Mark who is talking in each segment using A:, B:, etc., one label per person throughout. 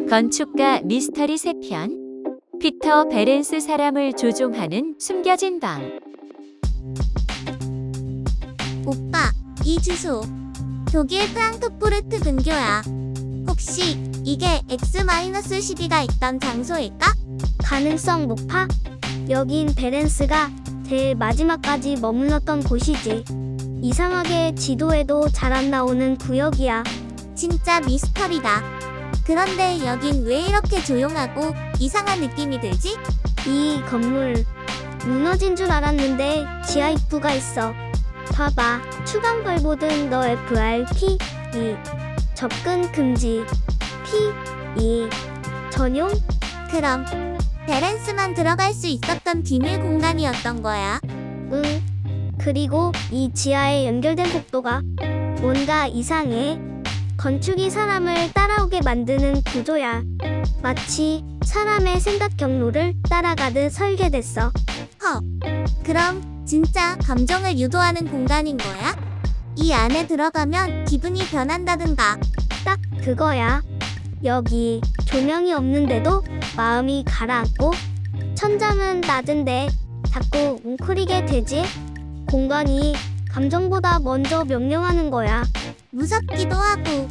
A: 건축가 미스터리 3편. 피터 베렌스 사람을 조종하는 숨겨진 방.
B: 오빠, 이 주소 독일 프랑크푸르트 근교야. 혹시 이게 X-12가 있던 장소일까?
C: 가능성 높아? 여긴 베렌스가 제일 마지막까지 머물렀던 곳이지. 이상하게 지도에도 잘 안 나오는 구역이야.
B: 진짜 미스터리다. 그런데 여긴 왜 이렇게 조용하고 이상한 느낌이 들지?
C: 이 건물 무너진 줄 알았는데 지하 입구가 있어. 봐봐. 추간벌 보든 너 FRP 2 접근 금지 P 2 전용?
B: 그럼 베렌스만 들어갈 수 있었던 비밀 공간이었던 거야.
C: 응. 그리고 이 지하에 연결된 복도가 뭔가 이상해. 건축이 사람을 따라오게 만드는 구조야. 마치 사람의 생각 경로를 따라가듯 설계됐어.
B: 그럼 진짜 감정을 유도하는 공간인 거야? 이 안에 들어가면 기분이 변한다든가.
C: 딱 그거야. 여기 조명이 없는데도 마음이 가라앉고, 천장은 낮은데 자꾸 웅크리게 되지. 공간이 감정보다 먼저 명령하는 거야.
B: 무섭기도 하고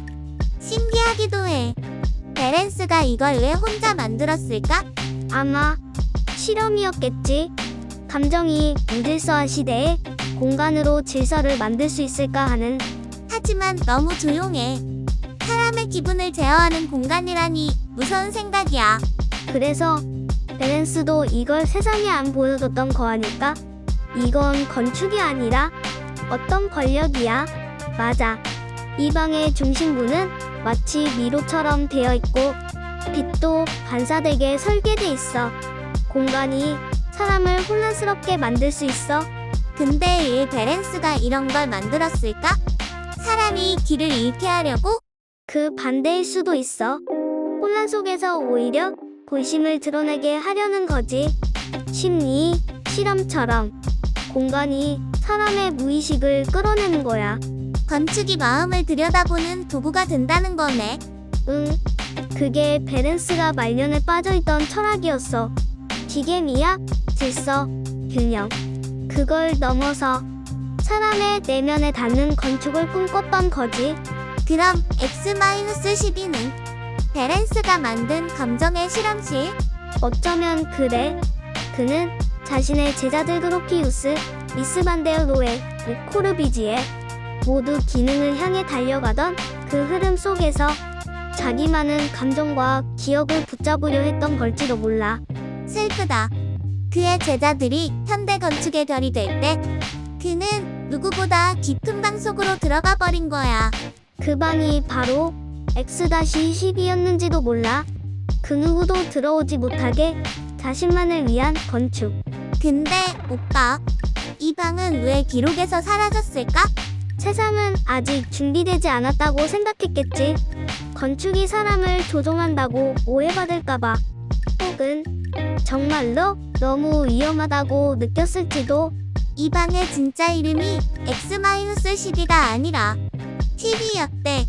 B: 신기하기도 해. 베렌스가 이걸 왜 혼자 만들었을까?
C: 아마 실험이었겠지. 감정이 무질서한 시대에 공간으로 질서를 만들 수 있을까 하는.
B: 하지만 너무 조용해. 사람의 기분을 제어하는 공간이라니 무서운 생각이야.
C: 그래서 베렌스도 이걸 세상에 안 보여줬던 거 아닐까? 이건 건축이 아니라 어떤 권력이야. 맞아. 이 방의 중심부는 마치 미로처럼 되어 있고 빛도 반사되게 설계돼 있어. 공간이 사람을 혼란스럽게 만들 수 있어.
B: 근데 왜 베렌스가 이런 걸 만들었을까? 사람이 길을 잃게 하려고?
C: 그 반대일 수도 있어. 혼란 속에서 오히려 본심을 드러내게 하려는 거지. 심리 실험처럼 공간이 사람의 무의식을 끌어내는 거야.
B: 건축이 마음을 들여다보는 도구가 된다는 거네.
C: 응. 그게 베렌스가 말년에 빠져있던 철학이었어. 기계미학, 질서, 균형. 그걸 넘어서 사람의 내면에 닿는 건축을 꿈꿨던 거지.
B: 그럼 X-12는 베렌스가 만든 감정의 실험실?
C: 어쩌면 그래. 그는 자신의 제자들 그로피우스, 미스 반데어로에, 코르비지에 모두 기능을 향해 달려가던 그 흐름 속에서 자기만은 감정과 기억을 붙잡으려 했던 걸지도 몰라.
B: 슬프다. 그의 제자들이 현대 건축의 별이 될 때 그는 누구보다 깊은 방 속으로 들어가 버린 거야.
C: 그 방이 바로 X-12였는지도 몰라. 그 누구도 들어오지 못하게 자신만을 위한 건축.
B: 근데 오빠, 이 방은 왜 기록에서 사라졌을까?
C: 세상은 아직 준비되지 않았다고 생각했겠지. 건축이 사람을 조종한다고 오해받을까봐. 혹은 정말로 너무 위험하다고 느꼈을지도.
B: 이 방의 진짜 이름이 X-12가 아니라 TV였대.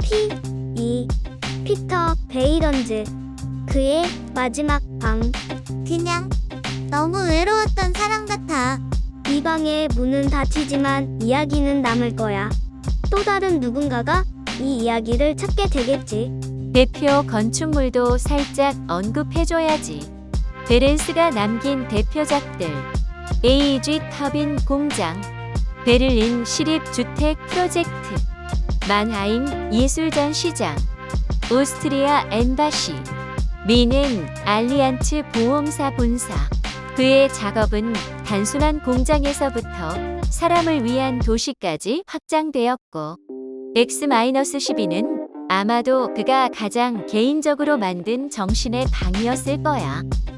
C: P2 피터 베이런즈. 그의 마지막 방.
B: 그냥 너무 외로웠던 사람 같아.
C: 이 방의 문은 닫히지만 이야기는 남을 거야. 또 다른 누군가가 이 이야기를 찾게 되겠지.
A: 대표 건축물도 살짝 언급해줘야지. 베렌스가 남긴 대표작들: AEG 터빈 공장, 베를린 시립주택 프로젝트, 만하임 예술전시장, 오스트리아 엠바시, 미넨 알리안츠 보험사 본사. 그의 작업은 단순한 공장에서부터 사람을 위한 도시까지 확장되었고, X-12는 아마도 그가 가장 개인적으로 만든 정신의 방이었을 거야.